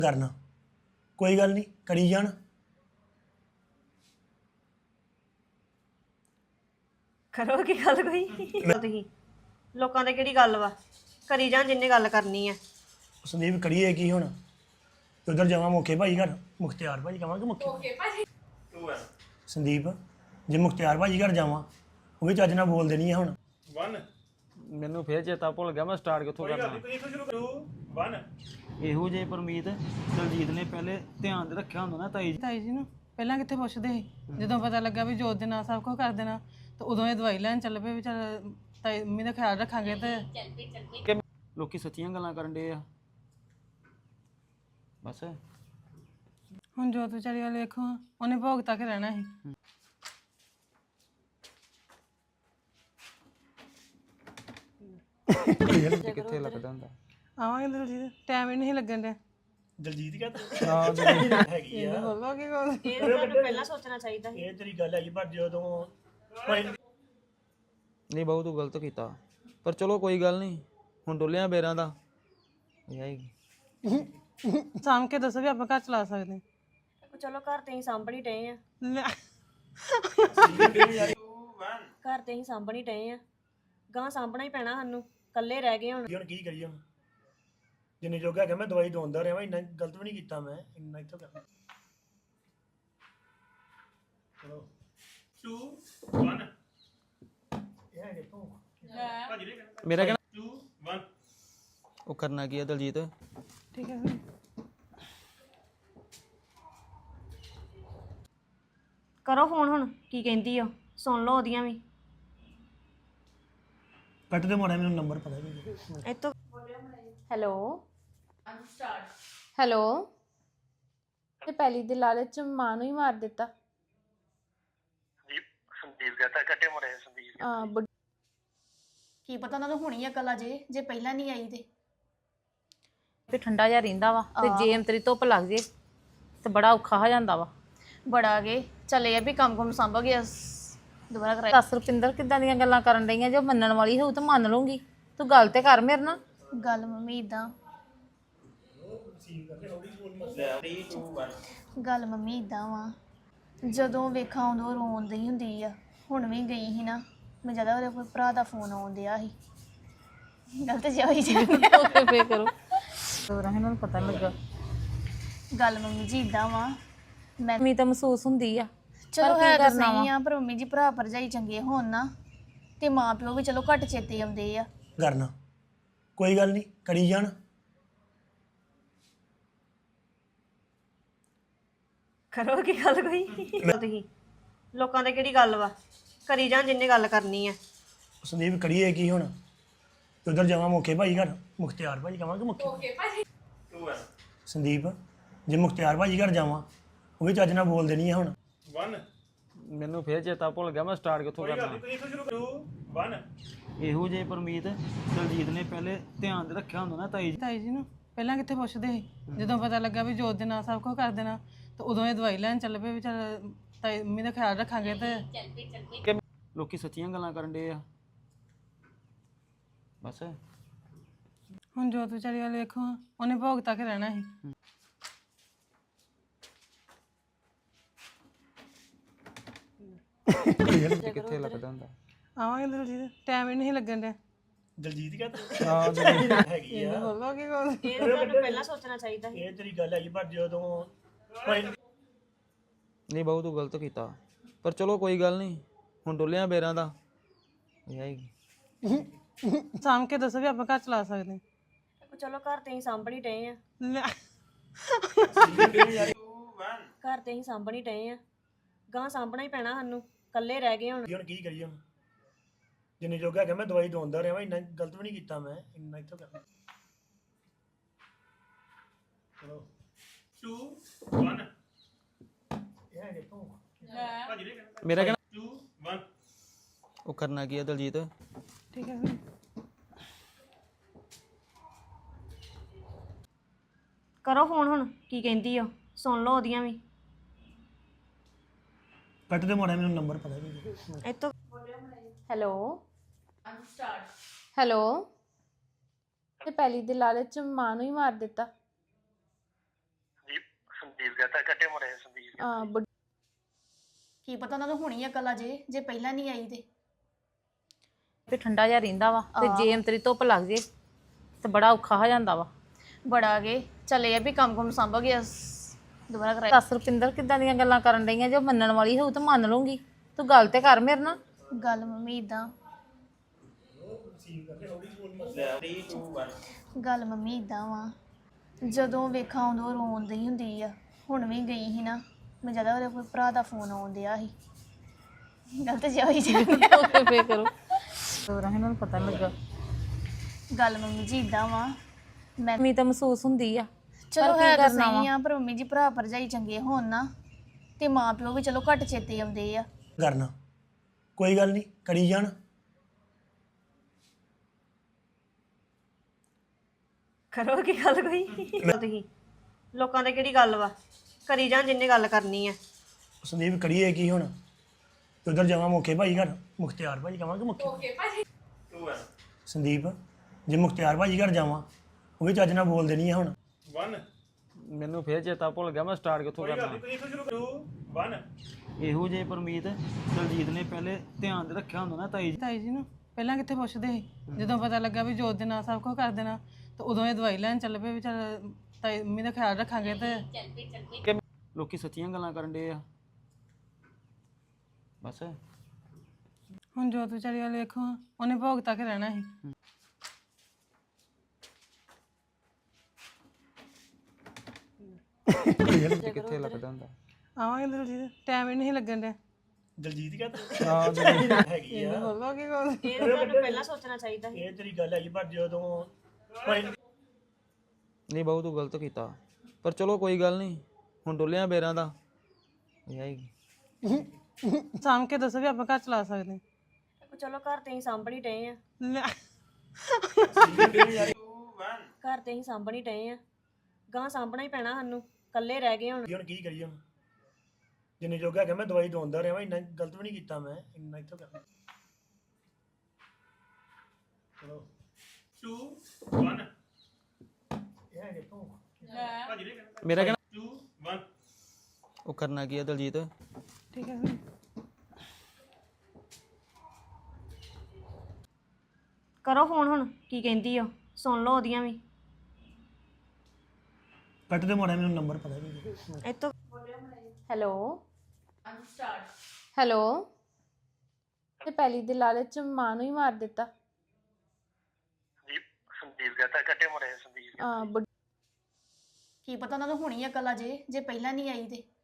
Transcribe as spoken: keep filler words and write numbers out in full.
करना कोई गल नहीं करी जान ਕਰੋ ਕੀ ਗੱਲ ਕੋਈ ਤੁਸੀਂ ਲੋਕਾਂ ਦੇ ਕਿਹੜੀ ਗੱਲ ਵਾ ਕਰੀ ਜਾਣ ਜਿੰਨੇ ਗੱਲ ਕਰਨੀ ਆ संदीप करिए की हुण उधर जावा मुखे भाई घर मुख्तियार भाई कहां मुखे संदीप जे मुख्तियार भाई घर जावा वो भी चज ना बोल देनी है हुण वन ਮੈਨੂੰ ਫੇਰ ਚੇਤਾ ਭੁੱਲ ਗਿਆ ਮੈਂ ਸਟਾਰਟ ਕਿੱਥੋਂ ਕਰਨਾ ਇਹੋ ਜੇ ਪਰਮੀਤ ਦਲਜੀਤ ਨੇ ਪਹਿਲੇ ਧਿਆਨ ਦੇ ਰੱਖਿਆ ਹੁੰਦਾ ਨਾ ਤਾਈ ਜੀ ਤਾਈ ਜੀ ਨੂੰ ਪਹਿਲਾਂ ਕਿੱਥੇ ਪੁੱਛਦੇ ਸੀ ਜਦੋਂ ਪਤਾ ਲੱਗਾ ਵੀ ਜੋਤ ਦੇ ਨਾਲ ਸਭ ਕੁਝ ਕਰ ਦੇਣਾ ਤੇ ਉਦੋਂ ਇਹ ਦਵਾਈ ਲੈਣ ਚੱਲ ਪਏ ਵੀ ਚੱਲ ਤਾਈ ਮੰਮੀ ਦਾ ਖਿਆਲ ਰੱਖਾਂਗੇ ਤੇ ਲੋਕੀ ਸੱਚੀਆਂ ਗੱਲਾਂ ਕਰਨ ਡੇ ਆ ਬਸ ਹੁਣ ਜੋਤ ਵਿਚਾਰੀ ਵਾਲੇ ਵੇਖੋ ਉਹਨੇ ਭੋਗ ਤੱਕ ਰਹਿਣਾ ਸੀ ਕਿੱਥੇ ਲੱਗਦਾ ਹੁੰਦਾ ਆਵਾਂਗੇ ਦਲਜੀਤ ਟਾਈਮ ਹੀ ਨਹੀਂ ਲੱਗਣ ਡਿਆ दलजीत कहता हां हैगी ਇਹ ਬੋਲੋ ਕੀ ਬੋਲ ਇਹ ਤਾਂ ਤੁਹਾਨੂੰ ਪਹਿਲਾਂ ਸੋਚਣਾ ਚਾਹੀਦਾ ਸੀ ਇਹ ਤੇਰੀ ਗੱਲ ਹੈਗੀ ਪਰ ਜਦੋਂ ਨਹੀਂ ਬਹੁਤ ਤੂੰ ਗਲਤ ਕੀਤਾ ਪਰ ਚਲੋ ਕੋਈ ਗੱਲ ਨਹੀਂ ਹੁਣ ਡੋਲਿਆਂ ਬੇਰਾਂ ਦਾ ਆਏਗੀ ਸਾਂਭ ਕੇ ਦੱਸੋ ਵੀ ਆਪਾਂ ਘਰ ਚਲਾ ਸਕਦੇ ਚਲੋ ਘਰ ਤੇ ਹੀ ਸਾਂਭਣੀ ਡਏ ਆ ਲੈ। ਘਰ ਤੇ ਹੀ ਸਾਂਭਣੀ ਡਏ ਆ ਗਾਂ ਸਾਂਭਣਾ ਹੀ ਪੈਣਾ ਸਾਨੂੰ ਇਕੱਲੇ ਰਹਿ ਗਏ ਹੁਣ ਹੁਣ ਕੀ ਕਰੀਏ ਹੁਣ ਜਿੰਨੇ ਜੋਗਾ ਕਿ ਮੈਂ ਦਵਾਈ ਦਵਾਉਂਦਾ ਰਿਹਾ ਇੰਨਾ ਗਲਤ ਵੀ ਨਹੀਂ ਕੀਤਾ ਮੈਂ ਇੰਨਾ ਇੱਥੋਂ ਕਰਨਾ ਚਲੋ ਟੂ ਵਨ ਇਹ ਦੇਖੋ ਮੇਰਾ ਕਹਿਣਾ ਟੂ ਵਨ ਉਹ ਕਰਨਾ ਕੀ ਹੈ ਦਲਜੀਤ ਠੀਕ ਹੈ ਫਿਰ ਕਰੋ ਫੋਨ ਹੁਣ ਕੀ ਕਹਿੰਦੀ ਆ ਸੁਣ ਲਓ ਉਹਦੀਆਂ ਵੀ ਕੱਟ ਦੇ ਮਾੜਾ ਮੈਨੂੰ ਨੰਬਰ ਪਤਾ ਨਹੀਂ ਇੱਥੋਂ ਹੈਲੋ ਹੈਲੋ ਤੇ ਪਹਿਲੀ ਦੇ ਲਾਲਚ ਚ ਮਾਂ ਨੂੰ ਹੀ ਮਾਰ ਦਿੱਤਾ ਸੰਦੀਪ ਕਹਤਾ ਕੱਟੇ ਮਾਰੇ ਸੰਦੀਪ ਆ ਬੁੱਢ- ਕੀ ਪਤਾ ਉਹਨਾਂ ਨੂੰ ਹੋਣੀ ਅਕਲ ਆ ਜੇ ਜੇ ਪਹਿਲਾਂ ਨਹੀਂ ਆਈ ਤੇ ਤੇ ਠੰਡਾ ਜਿਹਾ ਰਹਿੰਦਾ ਵਾ ਤੇ ਜੇ ਅੰਤਰੀ ਧੁੱਪ ਲੱਗ ਜੇ ਤੇ ਬੜਾ ਔਖਾ ਹੋ ਜਾਂਦਾ ਵਾ ਬੜਾ ਗਏ ਚੱਲੇ ਆ ਵੀ ਕੰਮ ਕੰਮ ਸੰਭ ਗਿਆ ਦੁਬਾਰਾ ਕਰਾਈ ਦੱਸ ਰੁਪਿੰਦਰ ਕਿੱਦਾਂ ਦੀਆਂ ਗੱਲਾਂ ਕਰਨ ਡਈਆਂ ਜੋ ਮੰਨਣ ਵਾਲੀ ਹੋਊ ਤਾਂ ਮੰਨ ਲੂੰਗੀ ਤੂੰ ਗੱਲ ਤੇ ਕਰ ਮੇਰੇ ਨਾਲ ਗੱਲ ਮੰਮੀ ਇਦਾਂ ਗੱਲ ਮੰਮੀ ਇਦਾਂ ਵਾ ਜਦੋਂ ਵੇਖਾਂ ਉਦੋਂ ਰੋਂਦੀ ਹੁੰਦੀ ਆ ਹੁਣ ਵੀ ਗਈ ਸੀ ਨਾ ਮੈਂ ਜਿਆਦਾ ਉਹਦੇ ਕੋਈ ਭਰਾ ਦਾ ਫੋਨ ਆਉਣ ਡਿਆ ਸੀ ਗਲਤ ਜਿਹਾ ਹੋਈ ਜਾਂਦੀ ਓਕੇ ਫੇ ਕਰੋ ਹੋਰ ਇਹਨਾਂ ਨੂੰ ਪਤਾ ਨੀ ਲੱਗਾ ਗੱਲ ਮੰਮੀ ਜੀ ਇਦਾਂ ਵਾ ਮੈਂ ਮੀ ਤਾਂ ਮਹਿਸੂਸ ਹੁੰਦੀ ਆ ਚਲੋ ਹੈ ਤਾਂ ਸਹੀ ਆ ਪਰ ਮੰਮੀ ਜੀ ਭਰਾ ਭਰਜਾਈ ਚੰਗੇ ਹੋਣ ਨਾ ਤੇ ਮਾਂ ਪਿਓ ਵੀ ਚਲੋ ਘੱਟ ਚੇਤੇ ਆਉਂਦੇ ਆ ਕਰਨਾ ਕੋਈ ਗੱਲ ਨਹੀਂ ਕਰੀ ਜਾਣ ਕਰੋ ਕੀ ਗੱਲ ਕੋਈ ਤੁਸੀਂ ਲੋਕਾਂ ਦੇ ਕਿਹੜੀ ਗੱਲ ਵਾ ਕਰੀ ਜਾਣ ਜਿੰਨੇ ਗੱਲ ਕਰਨੀ ਆ ਸੰਦੀਪ ਕਰੀਏ ਕੀ ਹੁਣ ਉਧਰ ਜਾਵਾ ਮੁਖੇ ਭਾਈ ਘਰ ਮੁਖਤਿਆਰ ਭਾਈ ਕਹਾਂਗੇ ਮੁਖੇ ਭਾਈ ਸੰਦੀਪ ਜੇ ਮੁਖਤਿਆਰ ਭਾਈ ਘਰ ਜਾਵਾ ਉਹ ਵੀ ਚੱਜ ਨਾਲ ਬੋਲ ਦੇਣੀ ਹੈ ਹੁਣ वन ਮੈਨੂੰ ਫੇਰ ਚੇਤਾ ਭੁੱਲ ਗਿਆ ਮੈਂ ਸਟਾਰਟ ਕਿੱਥੋਂ ਕਰਨਾ वन ਇਹੋ ਜੇ ਪਰਮੀਤ ਦਲਜੀਤ ਨੇ ਪਹਿਲੇ ਧਿਆਨ ਦੇ ਰੱਖਿਆ ਹੁੰਦਾ ਨਾ ਤਾਈ ਜੀ ਤਾਈ ਜੀ ਨੂੰ ਪਹਿਲਾਂ ਕਿੱਥੇ ਪੁੱਛਦੇ ਸੀ ਜਦੋਂ ਪਤਾ ਲੱਗਾ ਵੀ ਜੋਤ ਦੇ ਨਾਲ ਸਭ ਕੁਝ ਕਰ ਦੇਣਾ ਤੇ ਉਦੋਂ ਇਹ ਦਵਾਈ ਲੈਣ ਚੱਲ ਪਏ ਵੀ ਚੱਲ ਤਾਈ ਮੰਮੀ ਦਾ ਖਿਆਲ ਰੱਖਾਂਗੇ ਤੇ ਲੋਕੀ ਸੱਚੀਆਂ ਗੱਲਾਂ ਕਰਨ ਡੇ ਆ ਬਸ ਹੁਣ ਜੋਤ ਵਿਚਾਰੀ ਵਾਲੇ ਵੇਖੋ ਉਹਨੇ ਭੋਗ ਤੱਕ ਰਹਿਣਾ ਸੀ ਕਿੱਥੇ ਲੱਗਦਾ ਹੁੰਦਾ ਆਵਾਂਗੇ ਦਲਜੀਤ ਟਾਈਮ ਹੀ ਨਹੀਂ ਲੱਗਣ ਡਿਆ ਦਲਜੀਤ ਕਹਤਾ ਹਾਂ ਹੈਗੀ ਇਹ ਆ ਬੋਲੋ ਕੀ ਬੋਲ ਇਹ ਤਾਂ ਤੁਹਾਨੂੰ ਪਹਿਲਾਂ ਸੋਚਣਾ ਚਾਹੀਦਾ ਸੀ ਇਹ ਤੇਰੀ ਗੱਲ ਹੈਗੀ ਪਰ ਜਦੋਂ ਨਹੀਂ ਬਹੁਤ ਤੂੰ ਗਲਤ ਕੀਤਾ ਪਰ ਚਲੋ ਕੋਈ ਗੱਲ ਨਹੀਂ ਹੁਣ ਡੋਲਿਆਂ ਬੇਰਾਂ ਦਾ ਆਏਗੀ ਸਾਂਭ ਕੇ ਦੱਸੋ ਵੀ ਆਪਾਂ ਘਰ ਚਲਾ ਸਕਦੇ ਚਲੋ ਘਰ ਤੇ ਹੀ ਸਾਂਭਣੀ ਡਏ ਆ ਲੈ। ਘਰ ਤੇ ਹੀ ਸਾਂਭਣੀ ਡਏ ਆ ਗਾਂ ਸਾਂਭਣਾ ਹੀ ਪੈਣਾ ਸਾਨੂੰ ਇਕੱਲੇ ਰਹਿ ਗਏ ਹੁਣ ਹੁਣ ਕੀ ਕਰੀਏ ਹੁਣ ਜਿੰਨੇ ਜੋਗਾ ਕਿ ਮੈਂ ਦਵਾਈ ਦਵਾਉਂਦਾ ਰਿਹਾ ਇੰਨਾ ਗਲਤ ਵੀ ਨਹੀਂ ਕੀਤਾ ਮੈਂ ਇੰਨਾ ਇੱਥੋਂ ਕਰਨਾ ਚਲੋ ਟੂ ਵਨ ਇਹ ਦੇਖੋ ਮੇਰਾ ਕਹਿਣਾ ਟੂ ਵਨ ਉਹ ਕਰਨਾ ਕੀ ਹੈ ਦਲਜੀਤ ਠੀਕ ਹੈ ਫਿਰ ਕਰੋ ਫੋਨ ਹੁਣ ਕੀ ਕਹਿੰਦੀ ਆ ਸੁਣ ਲਓ ਉਹਦੀਆਂ ਵੀ ਕੱਟ ਦੇ ਮਾੜਾ ਮੈਨੂੰ ਨੰਬਰ ਪਤਾ ਨਹੀਂ ਇੱਥੋਂ ਹੈਲੋ ਹੈਲੋ ਤੇ ਪਹਿਲੀ ਦੇ ਲਾਲਚ ਚ ਮਾਂ ਨੂੰ ਹੀ ਮਾਰ ਦਿੱਤਾ ਅਹ ਬੁ- ਕੀ ਪਤਾ ਉਹਨਾਂ ਨੂੰ ਹੋਣੀ ਅਕਲ ਆ ਜੇ ਜੇ ਪਹਿਲਾਂ ਨਹੀਂ ਆਈ ਤੇ ਤੇ ਠੰਡਾ ਜਿਹਾ ਰਹਿੰਦਾ ਵਾ ਤੇ ਜੇ ਅੰਤਰੀ ਧੁੱਪ ਲੱਗ ਜੇ ਤੇ ਬੜਾ ਔਖਾ ਹੋ ਜਾਂਦਾ ਵਾ। ਬੜਾ ਗਏ ਚਲੇ ਆ ਵੀ ਕੰਮ ਕੰਮ ਸੰਭ ਗਿਆ ਦੁਬਾਰਾ ਕਰਾਇਆ ਦੱਸ ਰੁਪਿੰਦਰ ਕਿੱਦਾਂ ਦੀਆਂ ਗੱਲਾਂ ਕਰਨ ਡਈਆਂ, ਜੋ ਮੰਨਣ ਵਾਲੀ ਹੋਊ ਤਾਂ ਮੰਨ ਲੂੰਗੀ, ਤੂੰ ਗੱਲ ਤੇ ਕਰ ਮੇਰੇ ਨਾਲ। ਗੱਲ ਮੰਮੀ ਇਦਾਂ ਗੱਲ ਮੰਮੀ ਇਦਾਂ ਵਾ ਜਦੋਂ ਵੇਖਾਂ ਉਦੋਂ ਰੋਂਦੀ ਹੁੰਦੀ ਆ। ਹੁਣ ਵੀ ਗਈ ਸੀ ਨਾ ਮੈਂ ਜਿਆਦਾ ਉਹਦੇ ਕੋਈ ਭਰਾ ਦਾ ਫੋਨ ਆਉਣ ਡਿਆ ਸੀ ਗਲਤ ਜਿਹਾ ਹੋਈ ਜਾਂਦੀ ਆ। ਓਕੇ ਫੇਰ ਕਰੋ ਹੋਰ ਇਹਨਾਂ ਨੂੰ ਪਤਾ ਨੀ ਲੱਗਾ। ਗੱਲ ਮੰਮੀ ਜੀ ਇਦਾਂ ਵਾ ਮੈਂ ਮੀ ਤਾਂ ਮਹਿਸੂਸ ਹੁੰਦੀ ਆ। ਚਲੋ ਪਰ ਕੀ ਹੈ ਤਾਂ ਕਰਨਾ ਸਹੀ ਆ ਪਰ ਮੰਮੀ ਜੀ ਭਰਾ ਭਰਜਾਈ ਚੰਗੇ ਹੋਣ ਨਾ ਤੇ ਮਾਂ ਪਿਓ ਵੀ ਚਲੋ ਘੱਟ ਚੇਤੇ ਆਉਂਦੇ ਆ। ਕਰਨਾ ਕੋਈ ਗੱਲ ਨਹੀਂ ਕਰੀ ਜਾਣ। ਕਰੋ ਕੀ ਗੱਲ ਕੋਈ ਤੁਸੀਂ ਲੋਕਾਂ ਦੇ ਕਿਹੜੀ ਗੱਲ ਵਾ ਕਰੀ ਜਾਣ ਜਿੰਨੇ ਗੱਲ ਕਰਨੀ ਆ। ਸੰਦੀਪ ਕਰੀਏ ਕੀ ਹੁਣ ਤੇ ਉਧਰ ਜਾਵਾਂ ਮੁਖੇ ਭਾਈ ਘਰ ਮੁਖਤਿਆਰ ਭਾਈ ਕਹਾਂਗੇ ਮੁਖੇ ਭਾਜੀ ਸੰਦੀਪ ਜੇ ਮੁਖਤਿਆਰ ਭਾਜੀ ਘਰ ਜਾਵਾਂ ਉਹ ਵੀ ਚੱਜ ਨਾਲ ਬੋਲਦੇ ਨਹੀਂ ਆ ਹੁਣ। ਮੈਨੂੰ ਫੇਰ ਚੇਤਾ ਭੁੱਲ ਗਿਆ ਮੈਂ ਸਟਾਰਟ ਕਿੱਥੋਂ ਕਰਨਾ। ਇਹੋ ਜੇ ਪਰਮੀਤ ਦਲਜੀਤ ਨੇ ਪਹਿਲੇ ਧਿਆਨ ਦੇ ਰੱਖਿਆ ਹੁੰਦਾ ਨਾ ਤਾਈ ਜੀ। ਤਾਈ ਜੀ ਨੂੰ ਪਹਿਲਾਂ ਕਿੱਥੇ ਪੁੱਛਦੇ ਸੀ ਜਦੋਂ ਪਤਾ ਲੱਗਾ ਵੀ ਜੋਤ ਦੇ ਨਾਲ ਸਭ ਕੁਝ ਕਰ ਦੇਣਾ ਤੇ ਉਦੋਂ ਇਹ ਦਵਾਈ ਲੈਣ ਚੱਲ ਪਏ ਵੀ ਚੱਲ ਤਾਈ ਮੰਮੀ ਦਾ ਖਿਆਲ ਰੱਖਾਂਗੇ ਤੇ ਕਿ ਲੋਕੀ ਸੱਚੀਆਂ ਗੱਲਾਂ ਕਰਨ ਡੇ ਆ ਬਸ। ਹੁਣ ਜੋਤ ਵਿਚਾਰੀ ਵਾਲੇ ਵੇਖੋ ਉਹਨੇ ਭੋਗ ਤੱਕ ਰਹਿਣਾ ਸੀ। ਕਿੱਥੇ ਲੱਗਦਾ ਹੁੰਦਾ। ਆਵਾਂਗੇ ਦਲਜੀਤ ਟਾਈਮ ਹੀ ਨਹੀਂ ਲੱਗਣ ਡਿਆ। ਦਲਜੀਤ ਕਹਿੰਦਾ ਹੈਗੀ ਆ ਬੋਲੋ ਕੀ ਬੋਲ ਇਹ ਤਾਂ ਤੁਹਾਨੂੰ ਪਹਿਲਾਂ ਸੋਚਣਾ ਚਾਹੀਦਾ ਸੀ। ਇਹ ਤੇਰੀ ਗੱਲ ਹੈਗੀ ਪਰ ਜਦੋਂ ਭਾਈ ਨਹੀਂ ਬਹੁਤ ਤੂੰ ਗਲਤ ਕੀਤਾ ਪਰ ਚਲੋ ਕੋਈ ਗੱਲ ਨਹੀਂ ਹੁਣ ਡੁੱਲਿਆ ਬੇਰਾਂ ਦਾ ਇਹ ਆਏਗੀ। ਸਾਂਭ ਕੇ ਦੱਸੋ ਵੀ ਆਪਾਂ ਘਰ ਚਲਾ ਸਕਦੇ ਚਲੋ ਘਰ ਤੇ ਹੀ ਸਾਂਭਣੀ ਡਏ ਆ ਲੈ। ਘਰ ਤੇ ਹੀ ਸਾਂਭਣੀ ਡਏ ਆ ਗਾਂ ਸਾਂਭਣਾ ਹੀ ਪੈਣਾ ਸਾਨੂੰ ਇਕੱਲੇ ਰਹਿ ਗਏ ਹੁਣ। ਹੁਣ ਕੀ ਕਰੀਏ ਹੁਣ ਜਿੰਨੇ ਜੋਗਾ ਕਿ ਮੈਂ ਦਵਾਈ ਦਵਾਉਂਦਾ ਰਿਹਾ ਇੰਨਾ ਗਲਤ ਵੀ ਨਹੀਂ ਕੀਤਾ ਮੈਂ ਇੰਨਾ ਇੱਥੋਂ ਕਰਨਾ। ਚਲੋ ਟੂ ਵਨ ਇਹ ਹੈ ਕਿਤੋਂ ਮੇਰਾ ਕਹਿਣਾ ਟੂ ਵਨ ਉਹ ਕਰਨਾ ਕੀ ਹੈ ਦਲਜੀਤ। ਠੀਕ ਹੈ ਫਿਰ। ਕਰੋ ਫੋਨ ਹੁਣ ਕੀ ਕਹਿੰਦੀ ਆ ਸੁਣ ਲਓ ਉਹਦੀਆਂ ਵੀ। ਕੱਟ ਦੇ ਮਾੜਾ ਮੈਨੂੰ ਨੰਬਰ ਪਤਾ ਨਹੀਂ। ਇੱਥੋਂ ਹੈਲੋ ਹੈਲੋ ਤੇ ਪਹਿਲੀ ਦੇ ਲਾਲਚ ਚ ਮਾਂ ਨੂੰ ਹੀ ਮਾਰ ਦਿੱਤਾ। ਸੰਦੀਪ ਕਹਤਾ ਕੱਟੇ ਮਾਰੇ ਸੰਦੀਪ ਅਹ ਬੁ- ਕੀ ਪਤਾ ਉਹਨਾਂ ਨੂੰ ਹੋਣੀ ਅਕਲ ਆ ਜੇ ਜੇ ਪਹਿਲਾਂ ਨਹੀਂ ਆਈ ਤੇ